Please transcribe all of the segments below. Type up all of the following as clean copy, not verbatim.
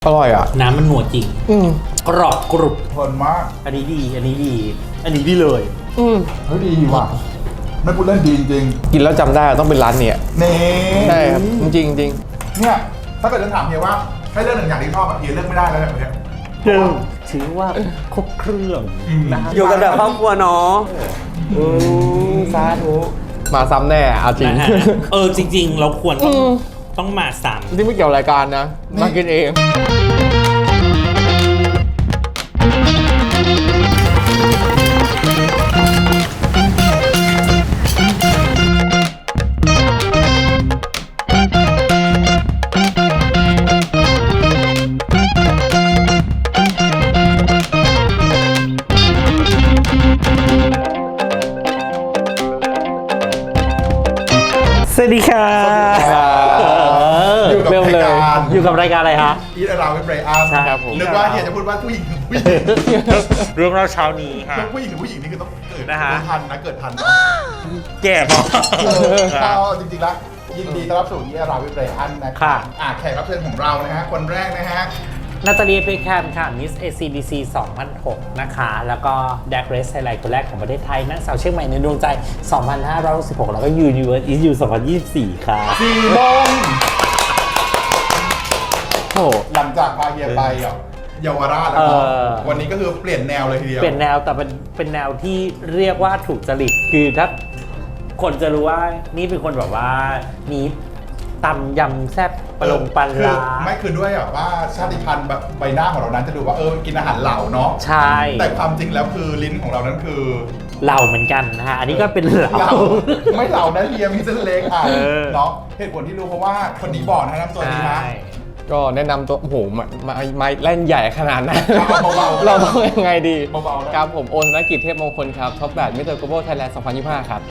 อร่อยอ่ะน้ำมันหนวดจริงกรอบกรุบเพลินมากอันนี้ดีอันนี้ดีอันนี้ดีเลยเฮ้ยดีว่ะไม่พูดเล่นดีจริงกินแล้วจำได้ต้องเป็นร้านเนี้ยนี่ใช่ครับจริงจริงเนี่ยถ้าเกิดจะถามเฮียว่าให้เลือกหนึ่งอย่างที่ชอบเฮียเลือกไม่ได้แล้วแบบนี้ถือว่าครบเครื่องนะอยู่กันแบบครอบครัวเนาะสาธุมาซ้ำแน่เอาจริงจริงๆเราควรต้องมาซ้ำที่ไม่เกี่ยวรายการนะมากินเองสวัสดีค่ะอยู่กับรายการอะไรฮะอีทอาราเวทเบรอันครับผมนึกว่าเฮียจะพูดว่าผู้หญิงถึงผู้หญิงเรื่องเราเช้านี้ค่ะผู้หญิงถึงผู้หญิงนี่คือต้องเกิดนะฮะทันนะเกิดทันแก่พอจริงๆแล้วยินดีต้อนรับสู่อีทอาราเวทเบรอันนะครับแขกรับเชิญของเรานะฮะคนแรกนะฮะนาตาเลียเบคแฮมค่ะ Miss ACDC 2006 นะคะแล้วก็แดกเรสไทยแลนด์คนแรกของประเทศไทยนางสาวเชียงใหม่ในดวงใจ 2566 แล้วก็ Universe is You 2024 ค่ะ 4 โมงโอ้หลังจากพาเฮียไปเยาวราชแล้ววันนี้ก็คือเปลี่ยนแนวเลยทีเดียวเปลี่ยนแนวแต่เป็นแนวที่เรียกว่าถูกจริตคือถ้าคนจะรู้ว่านี่เป็นคนแบบว่ามีตำยำแซ่บปลงปลาร้าไม่คือด้วยว่าชาติพันธุ์แบบใบหน้าของเรานั้นจะดูว่ากินอาหารเหล่าเนาะใช่แต่ความจริงแล้วคือลิ้นของเรานั้นคือเหล่าเหมือนกันนะฮะอันนี้ก็เป็นเหล่าไม่เหล่านะเฮียมีเส้นเล็กเนาะเหตุผลที่รู้เพราะว่าคนนี้บอกนะตัวนี้นะก็แนะนำตัวโอ้โหไม้เล่นใหญ่ขนาดนั้นเราต้องยังไงดีครับผมโอนธนกิจเทพมงคลครับท็อป8มิสเตอร์โกลบอลไทยแลนด์ 2025 ครับ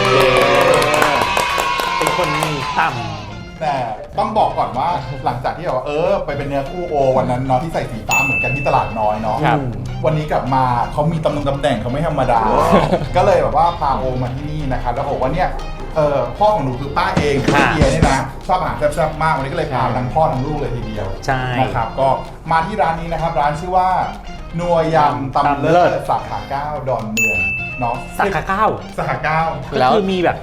เป็นคนมีต่ำแต่ต้องบอกก่อนว่าหลังจากที่แบบว่าไปเป็นเนื้อคู่โอวันนั้นเนาะที่ใส่สีฟ้าเหมือนกันที่ตลาดน้อยเนาะวันนี้กลับมาเขามีตำแหน่งเขาไม่ธรรมดาก็เลยแบบว่าพาโอมาที่นี่นะครับแล้วบอกว่าเนี่ยพ่อของหนูคือป้าเองคือเฮียเนี่ยนะชอบอาหารแซ่บๆมากวันนี้ก็เลยพาทั้งพ่อทั้งลูกเลยทีเดียวใช่นะครับก็มาที่ร้านนี้นะครับร้านชื่อว่านัวยำตำเลิศสาขา9ดอนเมืองเนาะสาขา9 สาขา9 แล้วคือมีแบบ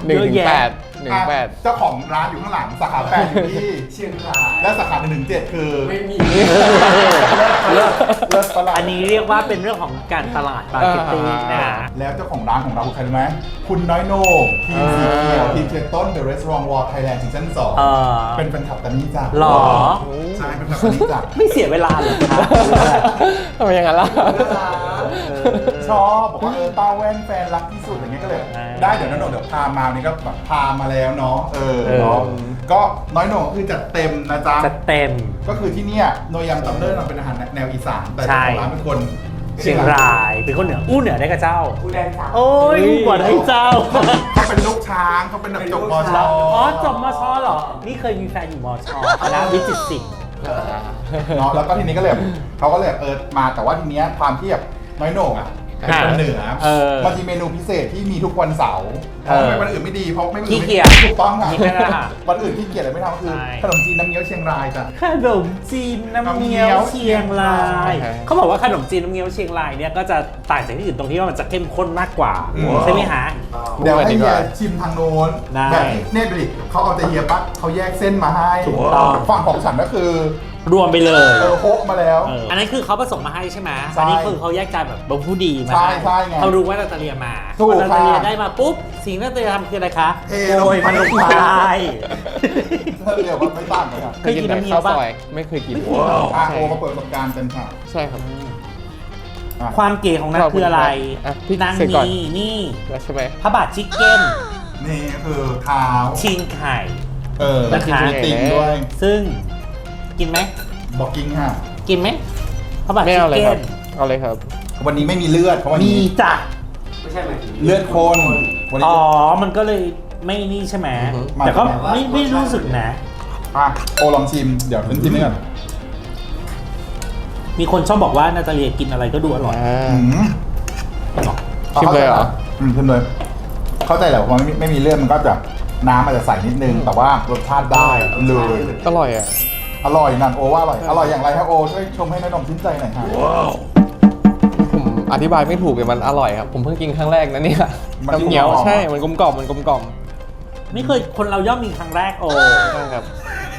1-8 เจ้าของร้านอยู่ข้างหลังสาขา8อยู่ที่เชียงรายและสาขา117คือไม่มีเลิศประหลาดอันนี้เรียกว่าเป็นเรื่องของการตลาดมาร์เก็ตติ้งนะแล้วเจ้าของร้านของเราคือใครรู้ไหมคุณน้อยโหน่งทีมสีเขียวทีมเชียร์ต้น The Restaurant War Thailand ซีซั่น2เป็นแฟนคลับตานี่จ้ะหรอใช่เป็นแฟนคลับตานี่จ้ะไม่เสียเวลาเลยครับทำไมอย่างนั้นล่ะชอบบอกว่าป้าแว่นแฟนรักที่สุดอย่างเงี้ยก็เลยได้เดี๋ยวน้อยโหน่งเดี๋ยวพามานี่ก็พามาแล้วเนาะเนาะก็น้อยโหน่งคือจัดเต็มนะจ๊ะจัดเต็มก็คือที่เนี่ยโนยำตำเลิศมันเป็นอาหารแนวอีสานแต่เจ้าของร้านเป็นคนเชียงรายเป็นคนเหนืออู้เหนือได้กับเจ้าอู้แดงจ้าโอ้ยกว่าได้เจ้าเขาเป็นลูกช้างเขาเป็นจบมช. จบมช.เหรอนี่เคยมีแฟนอยู่มช.คณะวิจิตรศิลป์เนาะแล้วก็ทีนี้ก็เลยเขาก็เลยมาแต่ว่าทีเนี้ยความที่แบบน้อยโหน่งเป็นคนเหนือมันมีเมนูพิเศษที่มีทุกวันเสาร์วันอื่นไม่ดีเพราะไม่ขี้เกียจถูกต้องค่ะวันอื่นขี้เกียจเลยไม่ทำคือขนมจีนน้ำเงี้ยวเชียงรายจ้ะขนมจีนน้ำเงี้ยวเชียงรายเขาบอกว่าขนมจีนน้ำเงี้ยวเชียงรายเนี่ยก็จะต่างจากที่อื่นตรงที่ว่ามันจะเข้มข้นมากกว่าใช่ไหมฮะเดี๋ยวให้เฮียชิมทางโน้นแบบเนี่ยดูดิเขาเอาแต่เฮียปั๊บเขาแยกเส้นมาให้ฝั่งของฉันก็คือรวมไปเลยโคมาแล้วอันนั้นคือเขาผสมมาให้ใช่ไหมอันนี้คือเขาแยกจานแบบบางผู้ดีมาให้เขารู้ว่านาตาเลียมาพอนาตาเลียได้มาปุ๊บสิ่งที่นาตาเลียทำคืออะไรคะโรยมันลงไปเรียกว่าไม่ต่างกันเคยกินน้ำเงี้ยวป่ะไม่เคยกินโอมาเปิดประสบการณ์กันค่ะใช่ครับความเก๋ของนักคืออะไรนางนี่ใช่ไหมพระบาทชิคเก้นนี่คือเท้าชิงไข่นะคะติ่งด้วยซึ่งกินไหมบอกกินค่ะกินไหมพระบาทชิคเก้นเอาเลยครับวันนี้ไม่มีเลือดเพราะวันนี้มีจ้ะไม่ใช่ไหมเลือดคนมันก็เลยไม่นี่ใช่ไหมแต่ก็ไม่รู้สึกนะโอลองชิมเดี๋ยวฉันชิมนี่ก่อนมีคนชอบบอกว่านาตาเลียกินอะไรก็ดูอร่อยชิมเลยเหรอชิมเลยเข้าใจแหละว่าไม่มีเลือดมันก็จะน้ำอาจจะใส่นิดนึงแต่ว่ารสชาติได้เลยอร่อยอ่ะอร่อยนั่นโอว่าอร่อยอร่อยอย่างไรครับโอช่วยชมให้น้าหน่องชื่นใจหน่อยครับผมอธิบายไม่ถูกเลยมันอร่อยครับ ผมเพิ่งกินครั้งแรกนะเนี่ยน้ำเงี้ยวใช่มันกลมกล่อมมันกลมกล่อมไม่เคยคนเราย่อมมีครั้งแรกโอ้ใช่ครับ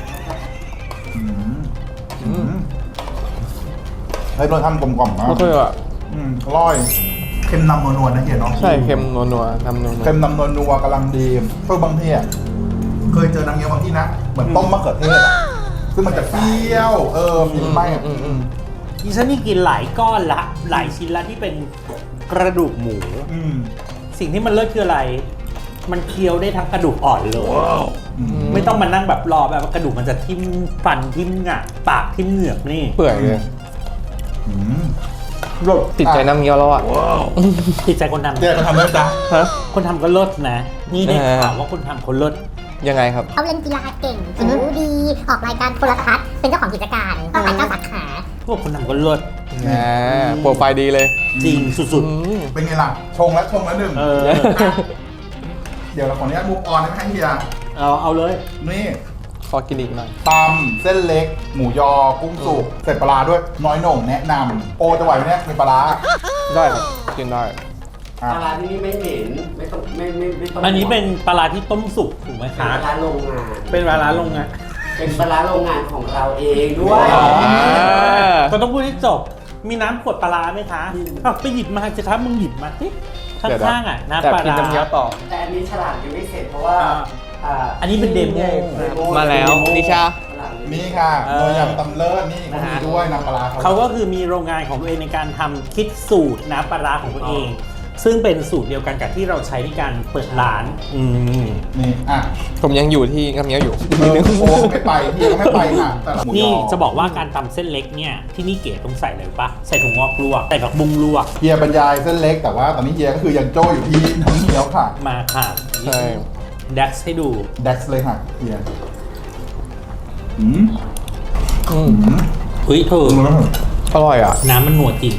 เฮ้ยเราทำกลมกล่อมมากไม่เคยอ่ะอร่อยเค็มนำนัวๆนะเฮียเนาะใช่เค็มนัวๆทำนัวเค็มนำนัวๆกำลังดีเพื่อบางทีอ่ะเคยเจอน้ำเงี้ยวบางที่นะเหมือนต้มมะเขือเทศอะซึ่งมันจะเปรี้ยวมีไหมดิฉันนี่กินหลายก้อนละหลายชิ้นละที่เป็นกระดูกหมู สิ่งที่มันเลิศคืออะไร มันเคี้ยวได้ทั้งกระดูกอ่อนเลย ไม่ต้องมานั่งแบบรอแบบว่ากระดูกมันจะทิ่มฟันทิ่มงะปากทิ่มเหงือกนี่เปื่อยเลยรสติดใจน้ำเงี้ยวแล้วอ่ะติดใจคนทำเดี๋ยวจะทำได้จ้ะฮะคนทำก็เลิศนะ นี่ได้ข่าวว่าคนทำเขาเลิศยังไงครับเขาเล่นกีฬาเก่งผิวดี ออกรายการโทรทัศน์ เป็นเจ้าของกิจการต้องไปเก้าสาขาพวกคนทำก็เลิศโปรไฟล์ดีเลยจริงสุดเป็นไงล่ะชงแล้วหนึ่งๆเดี๋ยวเราขออนุญาตมุกออนให้เฮียเอาเลยนี่ขอกินอีกหน่อยตำเส้นเล็ก หมูยอกุ้งสุกเสร็จปลาร้าด้วยน้อยโหน่งแนะนำโอจะไหวไหมเนี่ยมีปลาร้าได้ครับ กินได้อ่ะปลาร้าที่นี่ไม่เหม็นไม่ต้องไม่ต้องอันนี้เป็นปลาร้าที่ต้มสุกถูกไหมเป็นคะปลาร้าโรงงานเป็นปลาร้าโรงงานเป็นปลาร้าโรงงานของเราเองด้วยก็ต้องพูดให้จบ มีน้ำขวดปลาร้าไหมคะเอาไปหยิบมาสิครับมึงหยิบมาสิข้างๆอ่ะน้ำแต่ปลากินร้าน้ำเงี้ยวต่อแต่อันนี้ฉลากยังไม่เสร็จเพราะว่าอันนี้เป็นเดโมมาแล้วนิชาฉลากยังไม่นี่ค่ะโดยยำตำเลิศนี่เขามีด้วยน้ำปลาร้าเขาก็คือมีโรงงานของตัวเองในการทำคิดสูตรน้ำปลาร้าของตัวเอง ซึ่งเป็นสูตรเดียวกันกับที่เราใช้ในการเปิดร้านนี่อ่ะผมยังอยู่ที่น้ำเงี้ยวอยู่โอไม่ไปเฮียก็ไม่ไปค่ะแต่ละหมูยอนี่จะบอกว่าการตำเส้นเล็กเนี่ยที่นี่เก๋ต้องใส่เลยปะใส่ถั่วงอกลวกใส่ผักบุ้งลวกเฮียบรรยายเส้นเล็กแต่ว่าตอนนี้เฮียก็คือยังโจ้อยู่ที่น้ำเงี้ยวค่ะมาค่ะใช่ดักให้ดูเด็กเลยค่ะเฮียอืมเฮ้ยเธออร่อยอ่ะน้ำมันหนวดจริง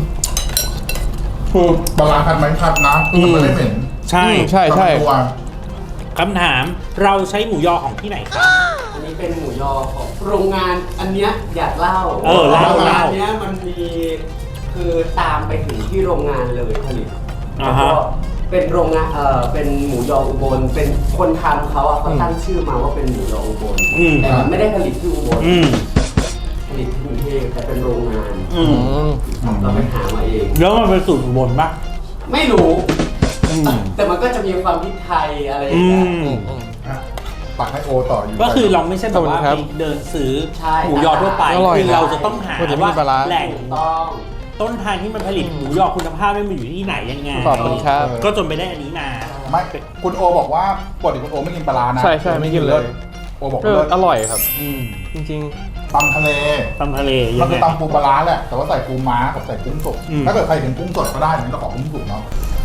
คือปลาร้าคัดไหมคัดนะมันไม่ได้เหม็นใช่ใช่ใช่ตัวคำถามเราใช้หมูยอของที่ไหนครับอันนี้เป็นหมูยอของโรงงานอันเนี้ยอยากเล่าเล่าโรงงานเนี้ยมันมีคือตามไปถึงที่โรงงานเลยผลิตอ่าแล้วฮะก็เป็นโรงงานเป็นหมูยออุบลเป็นคนทำเขาอะเขาตั้งชื่อมาว่าเป็นหมูยออุบลแต่มันไม่ได้ผลิตที่อุบล ผลิตที่กรุงเทพแต่เป็นโรงงาน เราไปหามาเองแล้วมันเป็นสูตรอุบลปะไม่รู้ แต่มันก็จะมีความพริกไทยอะไรอย่างเงี้ยอ่ะปักให้โอต่ออยู่ก็คือเราไม่ใช่แบบว่าขอบคุณครัไปบเดินซื้อใช่หมูยอทั่วไปอร่อยคือเราจะต้องหาวันนี้ไม่มีปลาร้าแหล่งถูกต้องต้นทางที่มันผลิตหมูยอคุณภาพไม่มันอยู่ที่ไหนยังไงขอบคุณครับก็จนไปได้อันนี้มาไม่คุณโอบอกว่าปกติคุณโอไม่กินปลาร้านะใช่ใช่ไม่กินเลยโอบอกก็เลิศอร่อยครับอืมจริงตำทะเลตำทะเลมัยันงคือไงตำปูปลาร้าแหละแต่ว่าใส่ปูม้ากับใส่กุ้งสดอืมถ้าเกิดใครถึงกุ้งสดก็ได้นี่เราขอกุ้งสดเนาะ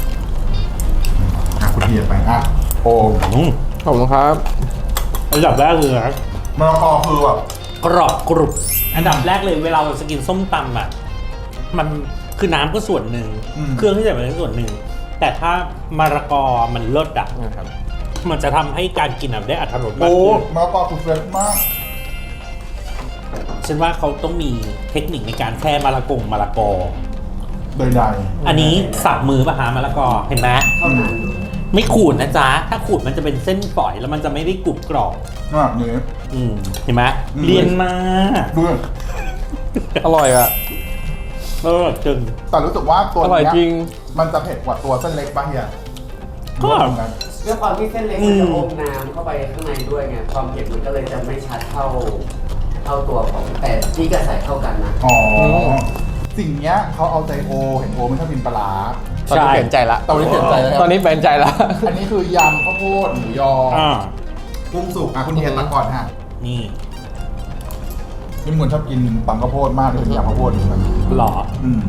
อ่ะคุณเฮียไปอ่ะโอๆ ขอบคุณครับอันดับแรกคือมะละกอคือแบบกรอบกรุบอันดับแรกเลยเวลาเราจะกินส้มตำอ่ะมันคือน้ำก็ส่วนหนึ่งเครื่องที่ใส่มันก็ส่วนหนึ่งแต่ถ้ามะละกอมันเลิศอ่ะนะครับมันจะทำให้การกินได้อรรถรสมากโอ้ขึ้นมะละกอคือเฟรชมากฉันว่าเขาต้องมีเทคนิคในการแค่มะละกอโดยใดอันนี้สับมือปะหามะละกอเห็นไหมเท่านั้นไม่ขูดนะจ๊ะ ถ้าขูดมันจะเป็นเส้นฝอยแล้วมันจะไม่ได้กรุบกรอบนี่เห็นไหมอืมเรียนมาด้วยอร่อยอ่ะจึงแต่รู้สึกว่าตัวอร่อยเนี้ยจริงมันจะเผ็ดกว่าตัวเส้นเล็กป่ะเฮียก็ว่าเหมือนกันด้วยความที่เส้นเล็กมันจะอมน้ำเข้าไปข้างในด้วยไงความเผ็ดมันก็เลยจะไม่ชัดเท่าตัวของแต่ที่กระใส่เข้ากันนะอ๋อสิ่งเนี้ยเขาเอาใจโอเห็นโอไม่ชอบกินปลาร้าตอนนี้เปลี่ยนใจละตอนนี้เปลี่ยนใจแล้วครับตอนนี้เปลี่ยนใจละอันนี้คือยำข้าวโพดหมูยออ่ากุ้งสุกอ่ะคุณเฮียตักก่อนฮะนี่นี่มึงชอบกินตำข้าวโพดมากเลยยำข้าวโพดเหมือนกันหรอ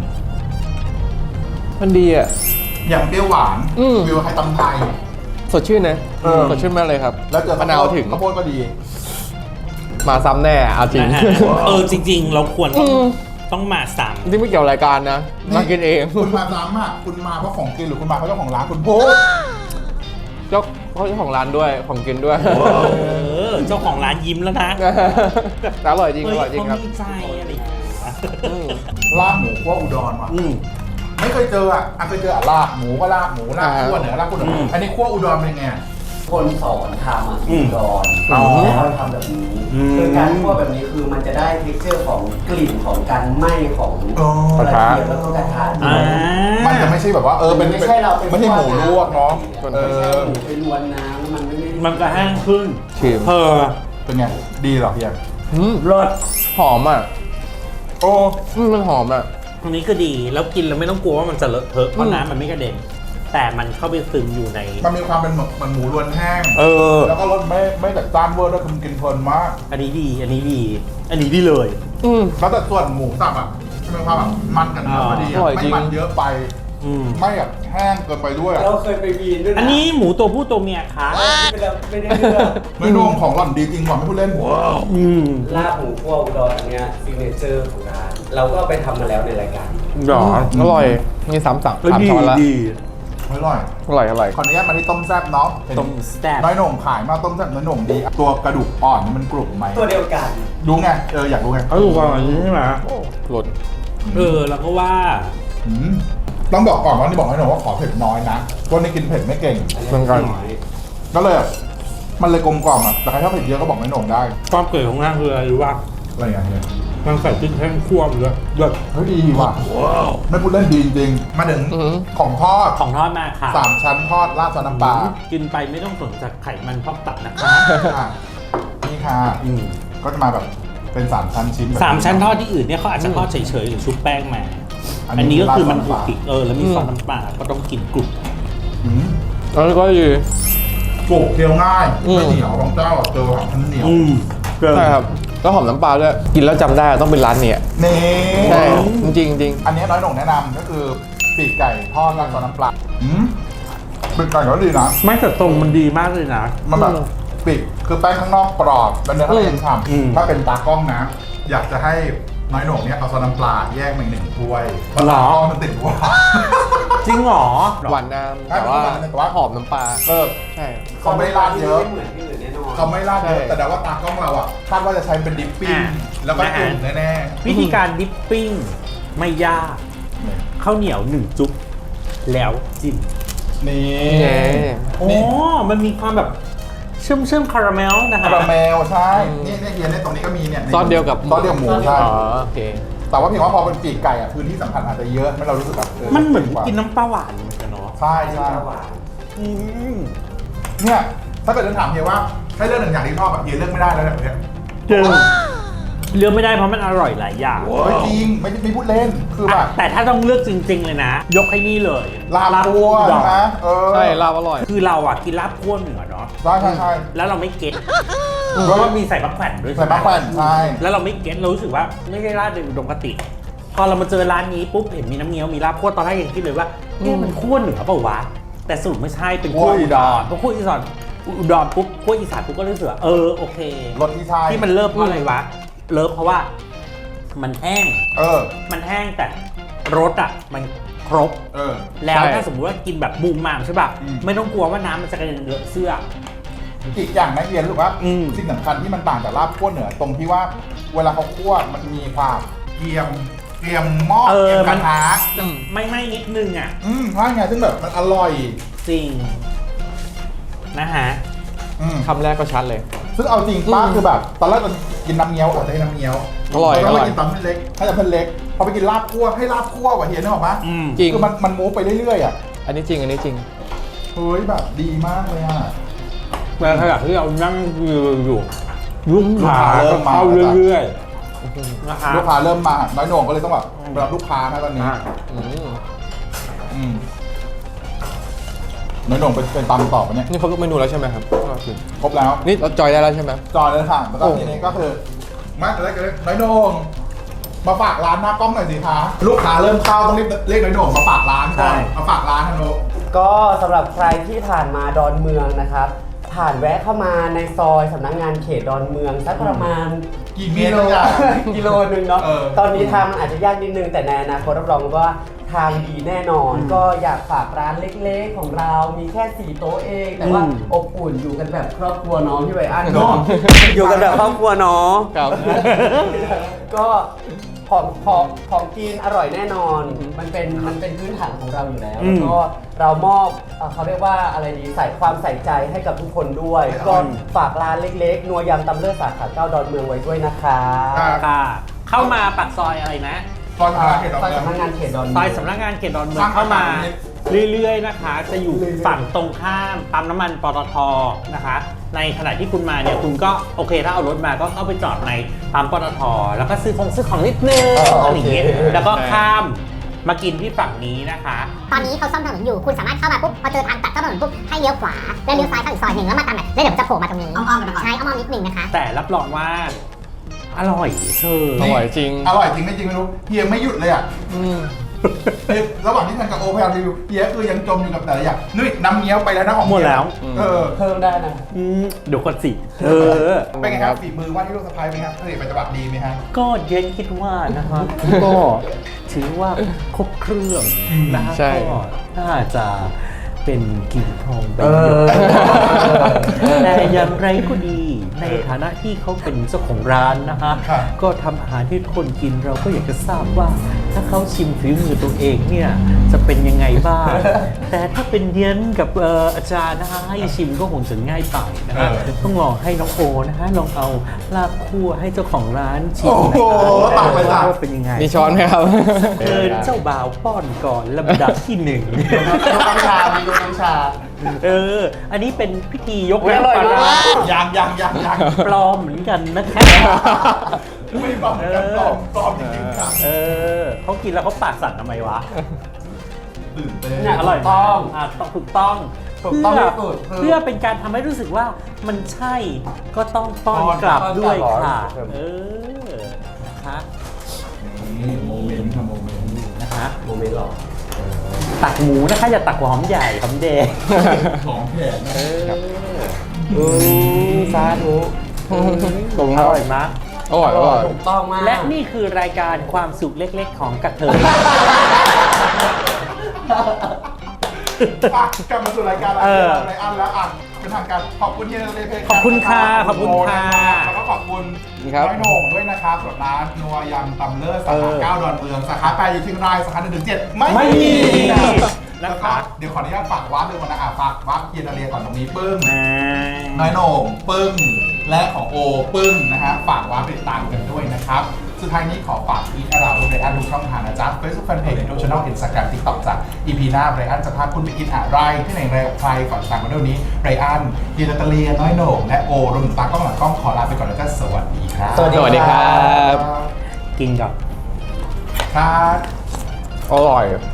มันดีอ่ะยำเปรี้ยวหวาน วิวไทยตำไทยสดชื่นนะเออสดชื่นมากเลยครับแล้วเจอมะนาวถึงข้าวโพดก็ดีมาซ้ำแน่เอาจริงนะฮะจริง ๆ เราควรต้องมาซ้ที่ไม่เกี่ยวรายการนะ มากินเองคุณมาซ้ำอ่ะคุณมาเพราะของกินหรือคุณมาเพราะเจ้าของร้านคุณโพสจเจ้าของร้านด้วยของกินด้วยเจ้าของร้านยิ้มแล้วนะแต่อร่อยจริงอร่อยจริงครับเขามีใจอะไรอย่างเงี้ยลาบหมูคั่วอุดรว่ะไม่เคยเจออ่ะเคยเจอลาบหมูก็ลาบหมูลาบคั่วเหนือลาบคั่วเหนืออันนี้คั่วอุดรเป็นไงคนสอนทำอ่ะอุดรอ๋อแล้วเขาทำแบบนี้คือการคั่วแบบนี้คือมันจะได้เท็กเจอร์ของกลิ่นของการไหม้ของอ๋อกระเทียมแล้วก็กระทะอ่ามันจะไม่ใช่แบบว่าเป็นไม่ใช่เราเป็นไม่ใช่หมูลวกเนาะไม่ใช่หมูไปลวนน้ำแล้วมันไม่ได้มันจะแห้งขึ้นชิมเป็นไงดีเหรอพี่แอมรสหอมอ่ะโอ้มันหอมอ่ะอันนี้ก็ดีแล้วกินแล้วไม่ต้องกลัวว่ามันจะเลอะเทอะเพราะน้ำมันไม่กระเด็นแต่มันเข้าไปซึมอยู่ในมันมีความเป็นเหมือนหมูรวนแห้งอแล้วก็รสไม่จัดจ้านเวอร์ด้วยคือมันกินเพลินมากอันนี้ดีอันนี้ดีเลยแล้วแต่ส่วนหมูสับอ่ะจะมีความแบบมันกับเนื้อพอดีอร่อยไม่จริงมันเยอะไป ไม่แบบแห้งเกินไปด้วยเราเคยไปวีนด้วยนะอันนี้หมูตัวผู้ตัวเมียคะไม่ได้เลือกไม่นุ่มของหล่อนดีจริงว่ะไม่พูดเล่นลาบหมูคั่วอุดรอันเนี้ยซิกเนเจอร์ของร้านเราก็ไปทำมาแล้วในรายการหรออร่อยนี่3 3 แล้วดีช้อนละดีอร่อยอร่อยอร่อยขออนุญาตมาที่ต้มแซ่บเนาะต้มแซ่บน้อยโหน่งขายมาต้มแซ่บน้อยโหน่งดี ตัวกระดูกอ่อนนี่มันกรุบไหมตัวเดียวกันรู้ไงอยากรู้ไงเขาดูว่าอย่างนี้ใช่ไหมรสแล้วก็ว่าอืมต้องบอกก่อนว่านี่บอกน้อยโหน่งว่าขอเผ็ดน้อยนะคนนี้กินเผ็ดไม่เก่งเหมือนกันก็เลยแบบมันเลยกลมกล่อมอ่ะแต่ใครชอบเผ็ดเยอะก็บอกน้อยโหน่งได้ความเกิดของนางคืออะไรรู้ป่ะอะไรอย่างเงี้ยนางใส่พริกแห้งคั่วไปเลยเลิศเฮ้ยดีว่ะไม่พูดเล่นดีจริงๆมาถึงของทอดของทอดมาค่ะ 3 ชั้นทอดราดซอสน้ำปลากินไปไม่ต้องสนใจไขมันพอกตับนะคะอ่ะนี่ค่ะก็จะมาแบบเป็น3 ชั้นชิ้นแบบสามชั้นทอดที่อื่นเนี่ยเขาอาจจะทอดเฉยๆหรือชุบแป้งมา อันนี้ก็คือมันถูกปิกแล้วมีซอสน้ำปลาก็ต้องกินกรุบอืมแล้วก็ดีกรุบเคี้ยวง่ายอืมไม่เหนียวบางเจ้าเจอแบบมันเหนียวใช่ครับแล้วหอมน้ำปลาด้วยกินแล้วจำได้ต้องเป็นร้านเนี่ยนี่ใช่จริงจริงอันนี้น้อยหน่งแนะนำก็คือปีกไก่ทอดราดซอสน้ำปลาปีกไก่ก็ดีนะไม่แต่ตรงมันดีมากเลยนะมันแบบปีกคือแป้งข้างนอกกรอบเป็นเนื้อข้างในฉ่อืมำถ้าเป็นตากล้องนะ อยากจะให้น้อยหน่งเนี่ยเอาซอสน้ำปลาแยกมาอีก1 ถ้วยเพราะตากล้องมันติดหวานจริงเหรอหวานน้ำแต่ว่าหอมน้ำปลาใช่เขาไม่ราดเยอะไม่เหมือนที่อื่นแน่นอนเขาไม่ราดเยอะใช่แต่ว่าตากล้องเราอ่ะคาดว่าจะใช้เป็นดิปปิ้งอ่ะแล้วก็จุ่มแน่วิธีการดิปปิ้งไม่ยากๆข้าวเหนียว1 จุ๊บแล้วจิ้มนี่ไงโอ้มันมีความแบบเชื่อมคาราเมลนะคาฮะราเมลใช่นี่เฮียเนี่ยตรงนี้ก็มีเนี่ยซอสเดียวกับซอสเดียวหมูใช่อ๋อโอเคแต่ว่าเพียงว่าพอเป็นปีกไก่อ่ะพื้นที่สำคัญอาจจะเยอะไม่เรารู้สึกแบบมันเหมือนกินน้ำปลาหวานเหมือนกันเนาะใช่ใช่หวานอืมเนี่ยถ้าเกิดจะถามเฮียว่าให้เลือก1 อย่างที่ชอบแบบเฮียเลือกไม่ได้แล้วแบบเนี้ยจริงเลือกไม่ได้เพราะมันอร่อยหลายอย่างไม่จริงไม่พูดเล่นคือแบบแต่ถ้าต้องเลือกจริง ๆ เลยนะ ยกให้นี่เลยลาบคั่วอุดรนะใช่ลาบอร่อยคือเราอ่ะกินลาบคั่วเหนือเนาะใช่ใช่ใช่แล้วเราไม่เก็ตเพราะว่ามีใส่มะแขวนด้วยใส่มะแขวนใช่แล้วเราไม่เก็ตเรารู้สึกว่าไม่ใช่ราดในอุดมคติ พอเรามาเจอร้านนี้ปุ๊บเห็นมีน้ำเงี้ยวมีลาบคั่วตอนแรกยังคิดเลยว่าเนี่ยมันคั่วเหนือเปล่าวะแต่สรุปไม่ใช่เป็นคั่วอุดรพอคั่วอีสานอุดรปุ๊บคั่วอีสานปุ๊บก็รู้สึกว่าโอเครสที่ใช่ที่มันเลิฟเพราะอะไรวะเลิฟเพราะว่ามันแห้ง มันแห้งแต่รสอ่ะมันครบ แล้วใช่ถ้าสมมติว่ากินแบบบูมมามใช่ป่ะอืมไม่ต้องกลัวว่าน้ำมันจะกระเด็นเลอะเสื้ออีกอย่างนะเฮียรู้สึกว่าอืมสิ่งสำคัญที่มันต่างจากลาบคั่วเหนือตรงที่ว่าเวลาเขาคั่วมันมีความเกรียมหม้อเกรียมกระทะไม่นิดนึงอ่ะใช่ไงซึ่งแบบมันอร่อยจริงนะฮะคำแรกก็ชัดเลยซึ่งเอาจริงป้าคือแบบตอนแรกเรากินน้ำเงี้ยวอาจจะให้น้ำเงี้ยวอร่อยแล้วอร่ก็อยกินตำเส้นเล็กให้แต่เส้นเล็กพอไปกินลาบคั่วให้ลาบคั่วว่ะเฮียนึกออกปะจริงคือมันมูฟไปเรื่อยๆอ่ะอันนี้จริงอันนี้จริงเฮ้ยแบบดีมากเลยอ่ะในขณะที่เรานั่งอยู่ลูกค้าเริ่ก็มมาเข้าเรื่อยๆนะคะลูกค้าเริ่มมาน้อยโหน่งก็เลยต้องแบบรับลูกค้านะตอนนี้อืมอืมน้อยโหน่งเป็นตำต่อปะเนี่ยนี่ครบทุกเมนูแล้วใช่ไหมครับครบแล้วนี่เราจอยได้แล้วใช่ไหมจอเลยค่ะแล้วก็โอ้ทีนี้ก็คือมาแล้วก็น้อยโหน่งมาฝากร้านหน้ากล้องหน่อยสิคะลูกค้าเริ่มเข้าต้องรีบเรียกน้อยโหน่งมาฝากร้านก่อนมาฝากร้านฮันโนก็สำหรับใครที่ผ่านมาดอนเมืองนะครับ ผ่านแวะเข้ามาในซอยสำนักงานเขตดอนเมืองสักประมาณกี่เมตรแล้วจ้ะกิโลนึงเนาะเออตอนนี้ทางมันอาจจะยากนิดนึงแต่ในอนาคตรับรองว่าททางดีแน่นอน ก็อยากฝากร้านเล็กๆของเรามีแค่4โต๊ะเอง แต่ว่าอบอุ่นอยู่กันแบบครอบครัวน้องพี่ไบอันเนาะอยู่กันแบบครอบครัวเนาะครับก็ของกินอร่อยแน่นอน มันเป็นพื้นฐานของเราอยู่แล้วแล้วก็เรามอบเขาเรียกว่าอะไรดีใส่ความใส่ใจให้กับทุกคนด้วย ก็ฝากร้านเล็กๆนัวยำตำเลือดสาขา9ดอนเมืองไว้ด้วยนะคะค่ะ เข้ามาปากซอยอะไรนะตอนมาเขตดอนซอยเมืองสำนักงานเขตดอนเมืซออยงสำนักงานเขตดอนเมืองเข้ามาเรื่อยๆนะคะ จะอยู่ฝั่งตรงข้ามปั๊มน้ำมันปตทนะคะ ในขณะที่คุณมาเนี่ยคุณก็โอเคถ้าเอารถมาก็เข้าไปจอดในปั๊มปตทแล้วก็ซื้อของนิดนึงอะไรอย่างเงี้ยแล้วก็ข้ามมากินที่ฝั่งนี้นะคะตอนนี้เขาซ่อมถนนอยู่ คุณสามารถเข้ามาปุ๊บ พอเจอทางตัดเข้าถนนปุ๊บ ให้เลี้ยวขวา แล้วเลี้ยวซ้ายเข้าอีกซอยหนึ่งแล้วมาตามแบบแล้วเดี๋ยวมันจะโผล่มาตรงนี้ อ้อมๆกันไปก่อนใช่ อ้อมๆนิดนึงนะคะแต่รับรองว่าอร่อยเธออร่อยจริงอร่อยจริงไม่จริงไม่รู้เฮียไม่หยุดเลยอ่ะระหว่างที่ทันกับโอพยายามรีวิวเฮียคือยังจมอยู่กับแต่ละอย่างนี่น้ำเงี้ยวไปแล้วนะของหมดแล้วเออเพิ่มได้นะเดี๋ยวก่อนสิเป็นไงครับฝีมือว่าที่ลูกสะพ้ายเป็นไงครับผลิตเป็นจังหวัดดีไหมฮะก็เย็นคิดว่านะคะก็ถือว่าครบเครื่องนะฮะใช่ก็น่าจะเป็นกิ่งทองใบหยกแต่อย่างไรก็ดีในฐานะที่เขาเป็นเจ้าของร้านนะคะครับก็ทำอาหารที่คนกินเราก็อยากจะทราบว่า ถ้าเขาชิมฝีมือตัวเองเนี่ยจะเป็นยังไงบ้าง แต่ถ้าเป็นเดียนกับอาจารย์นะคะให้ชิมก็คงจะง่ายไปนะคะต้องลองให้น้องโอนะคะลองเอาลาบคั่วให้เจ้าของร้านชิมหน่อยตักไปจ้ะว่าเป็นยังไงมีช้อนไหมครับเชิญเจ้าบ่าวป้อนก่อนลำดับที่หนึ่งดูน้ำชามีดูน้ำชาอันนี้เป็นพิธียกอุ๊ยอร่อยปลาร้ามากยังปลอมเหมือนกันนะคะไม่บอกกันปลอมจริงๆครับเขากินแล้วเขาปากสั่นทำไมวะตื่นเต้นเนี่ยอร่อยถูกต้องต้องถูกต้องถูกต้องเพื่ที่สุดคือเพื่อเป็นการทำให้รู้สึกว่ามันใช่ก็ต้องป้อนกลับด้วยค่ะ นะคะนี่โมเมนต์ค่ะโมเมนต์นะคะโมเมนต์หรอตักหมูนะคะอย่าตักหัวหอมใหญ่หอมแดงของแขกนะสาธุอร่อยมากอร่อยอร่อยถูกต้องมากและนี่คือรายการความสุขเล็กๆของกระเทยอ่ะกลับมาสู่รายการไรอันแล้วอ่ะเป็นทางการขอบคุณที่เราได้เพลงขอบคุณค่ะขอบคุณค่ะแล้วก็ขอบคุณครับน้อยโหน่งด้วยนะครับสำหรับร้านนัวยำตำเลิศสาขา9ดอนเมืองสาขา8อยู่เชียงรายสาขา1-7ไม่มีนะแล้วก็คะเดี๋ยวขออนุญาตฝากวาร์ปด้วยก่อนนะฝากวาร์ปเกียร์นาเรียก่อนตรงนี้ปึ้ง น้อยโหน่งปึ้งและของโอปึ้งนะฮะฝากวาร์ปติดตามกันด้วยนะครับ สุดท้ายนี้ขอฝากอีกเราไบรอันทุกช่องทางนะจ๊ะ Facebook Fanpage YouTube Channel Instagram TikTok จ้ะ EP หน้าไบรอันจะพาคุณไปกินอะไรที่ไหนไรกับใครก่อนตามกันเดี๋ยวนี้ไบรอันเยนนาตาเลียน้อยโหน่งและโอรวมถึงตากล้องหลังกล้องขอลาไปก่อนแล้วก็สวัสดีครับสวัสดีครับกินกับครับอร่อย